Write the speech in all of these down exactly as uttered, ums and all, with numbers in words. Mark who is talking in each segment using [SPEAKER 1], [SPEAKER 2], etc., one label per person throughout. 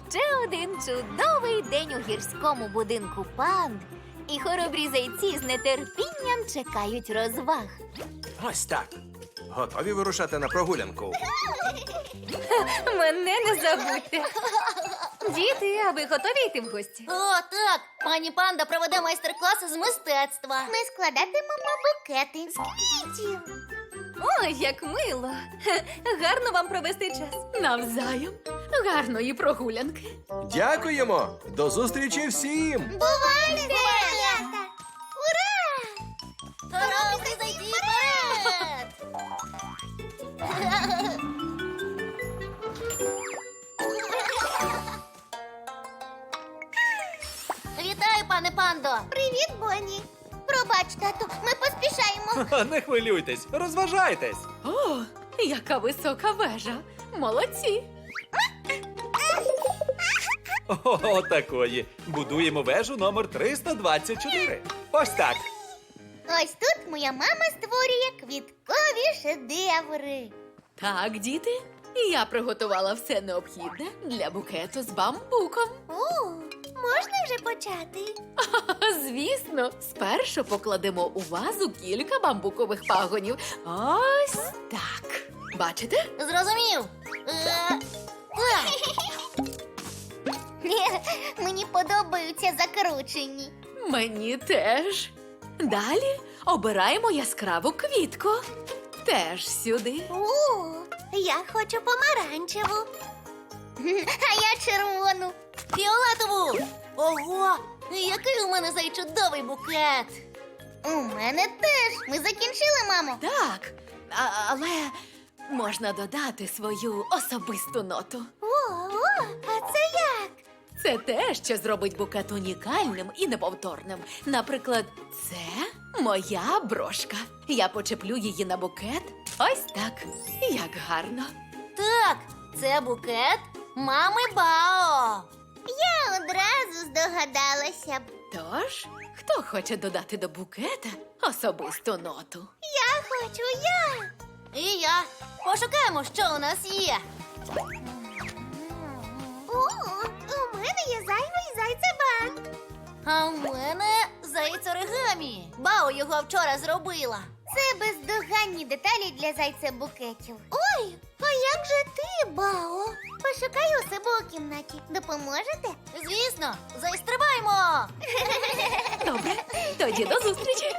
[SPEAKER 1] ще один чудовий день у гірському будинку панд. І хоробрі зайці з нетерпінням чекають розваг.
[SPEAKER 2] Ось так. Готові вирушати на прогулянку?
[SPEAKER 1] Мене не забудьте. Діти, а ви готові йти в гості?
[SPEAKER 3] О, так! Пані панда проведе майстер-класи з мистецтва.
[SPEAKER 4] Ми складатимемо букети з квітів.
[SPEAKER 1] Ой, як мило. Хе, гарно вам провести час.
[SPEAKER 5] Навзаєм. Гарної прогулянки.
[SPEAKER 2] Дякуємо! До зустрічі всім!
[SPEAKER 4] Бувайте, малята! Ура!
[SPEAKER 3] Хоробрі зайди вперед! Вітаю, пане пандо!
[SPEAKER 4] Привіт, Бонні! Пробач, тату, ми поспішаємо.
[SPEAKER 6] Не хвилюйтесь, розважайтесь.
[SPEAKER 5] О, яка висока вежа. Молодці.
[SPEAKER 6] О, такої. Будуємо вежу номер триста двадцять чотири. Ось так.
[SPEAKER 4] Ось тут моя мама створює квіткові шедеври.
[SPEAKER 5] Так, діти, я приготувала все необхідне для букету з бамбуком.
[SPEAKER 4] О, можна вже почати?
[SPEAKER 5] Звісно, спершу покладемо у вазу кілька бамбукових пагонів. Ось так. Бачите?
[SPEAKER 3] Зрозумів? Е, е,
[SPEAKER 4] Мені подобаються закручені.
[SPEAKER 5] Мені теж. Далі обираємо яскраву квітку. Теж сюди.
[SPEAKER 4] О, я хочу помаранчеву. А я червону.
[SPEAKER 3] Фіолетову! Ого! Який у мене зай чудовий букет!
[SPEAKER 4] У мене теж. Ми закінчили, мамо.
[SPEAKER 5] Так, а- але можна додати свою особисту ноту.
[SPEAKER 4] О, о, а це як?
[SPEAKER 5] Це те, що зробить букет унікальним і неповторним. Наприклад, це моя брошка. Я почеплю її на букет. Ось так. Як гарно.
[SPEAKER 3] Так, це букет мами Бао.
[SPEAKER 4] Я одразу здогадалася б.
[SPEAKER 5] Тож, хто хоче додати до букета особисту ноту?
[SPEAKER 4] Я хочу, я.
[SPEAKER 3] І я. Пошукаємо, що у нас є.
[SPEAKER 4] О, у мене є зайвий зайцебанк.
[SPEAKER 3] А в мене заєць оригамі. Бао його вчора зробила.
[SPEAKER 4] Це бездоганні деталі для зайцебукетів. Ой, а як же ти, Бао? Пошукаю у себе у кімнаті. Допоможете?
[SPEAKER 3] Звісно, заістрибаємо!
[SPEAKER 5] Добре, тоді до зустрічі.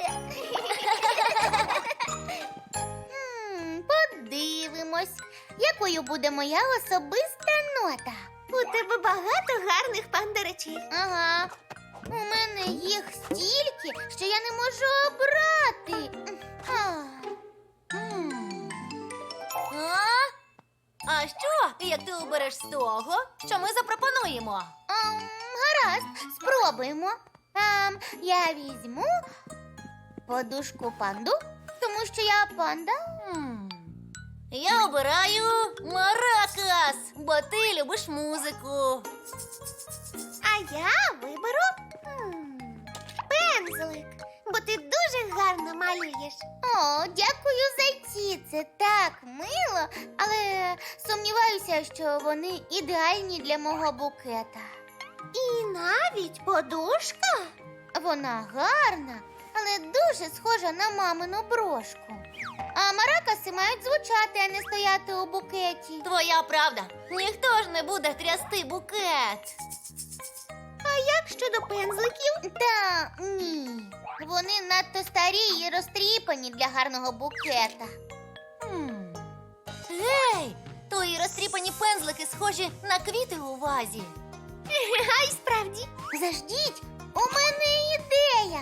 [SPEAKER 4] М, Подивимось, якою буде моя особиста нота. У тебе багато гарних пандеречів. Ага. У мене їх стільки, що я не можу обрати. А.
[SPEAKER 3] М. А? А що, як ти обереш з того, що ми запропонуємо?
[SPEAKER 4] Ам, гаразд, спробуємо. Ам, я візьму подушку панду, тому що я панда.
[SPEAKER 3] М. Я обираю маракас, бо ти любиш музику.
[SPEAKER 4] А я виберу м, пензлик, бо ти дуже гарно малюєш. О, дякую, зайці, це так мило, але сумніваюся, що вони ідеальні для мого букета. І навіть подушка? Вона гарна, але дуже схожа на мамину брошку. А маракаси мають звучати, а не стояти у букеті.
[SPEAKER 3] Твоя правда, ніхто ж не буде трясти букет.
[SPEAKER 4] А як щодо пензликів? Та ні. Вони надто старі і розтріпані для гарного букета.
[SPEAKER 3] М. Гей, твої розтріпані пензлики схожі на квіти у вазі.
[SPEAKER 4] А й справді. Заждіть, у мене ідея.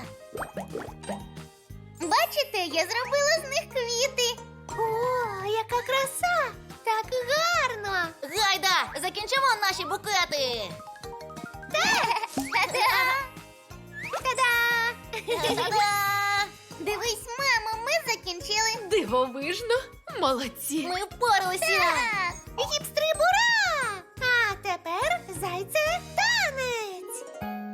[SPEAKER 4] Бачите, я зробила з них квіти. О, яка краса! Так гарно!
[SPEAKER 3] Гайда, закінчимо наші букети.
[SPEAKER 4] Та-да! Та-да!
[SPEAKER 3] Та-да!
[SPEAKER 4] Дивись, мамо, ми закінчили.
[SPEAKER 5] Дивовижно. Молодці.
[SPEAKER 3] Ми впоралися.
[SPEAKER 4] Так! Гіпстри, бура! А тепер зайце танець.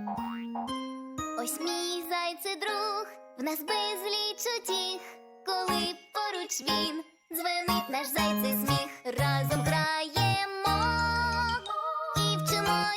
[SPEAKER 3] Ось мій зайце друг, в нас безліч утіх. Коли поруч він, дзвенить наш зайцей сміх. Разом граємо і вчимо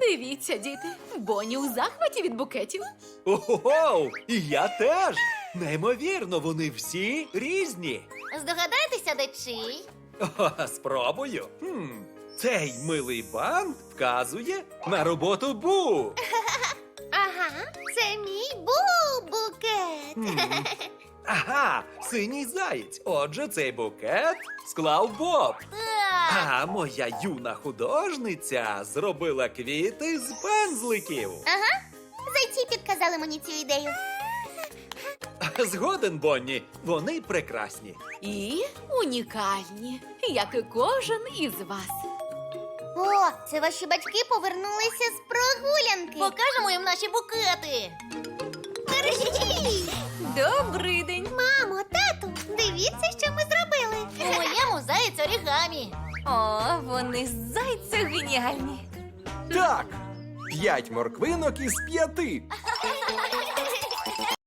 [SPEAKER 5] Дивіться, діти, Бонні у захваті від букетів.
[SPEAKER 6] Ого, і я теж. Неймовірно, вони всі різні.
[SPEAKER 3] Здогадаєтеся, де чий?
[SPEAKER 6] О, спробую. Хм, цей милий бант вказує на роботу Бу.
[SPEAKER 4] Ага, це мій бу-букет.
[SPEAKER 6] Хм. Ага, синій заєць. Отже, цей букет склав Боб.
[SPEAKER 3] Так.
[SPEAKER 6] А моя юна художниця зробила квіти з пензликів.
[SPEAKER 4] Ага, зайці підказали мені цю ідею.
[SPEAKER 6] Згоден, Бонні, вони прекрасні.
[SPEAKER 5] І унікальні, як і кожен із вас.
[SPEAKER 4] О, це ваші батьки повернулися з прогулянки.
[SPEAKER 3] Покажемо їм наші букети.
[SPEAKER 4] Мерщій!
[SPEAKER 1] Добрий день.
[SPEAKER 4] Мамо, тату, дивіться, що ми зробили.
[SPEAKER 3] У моєму заєць орігамі.
[SPEAKER 1] О, вони зайця геніальні.
[SPEAKER 2] Так, п'ять морквинок із п'яти.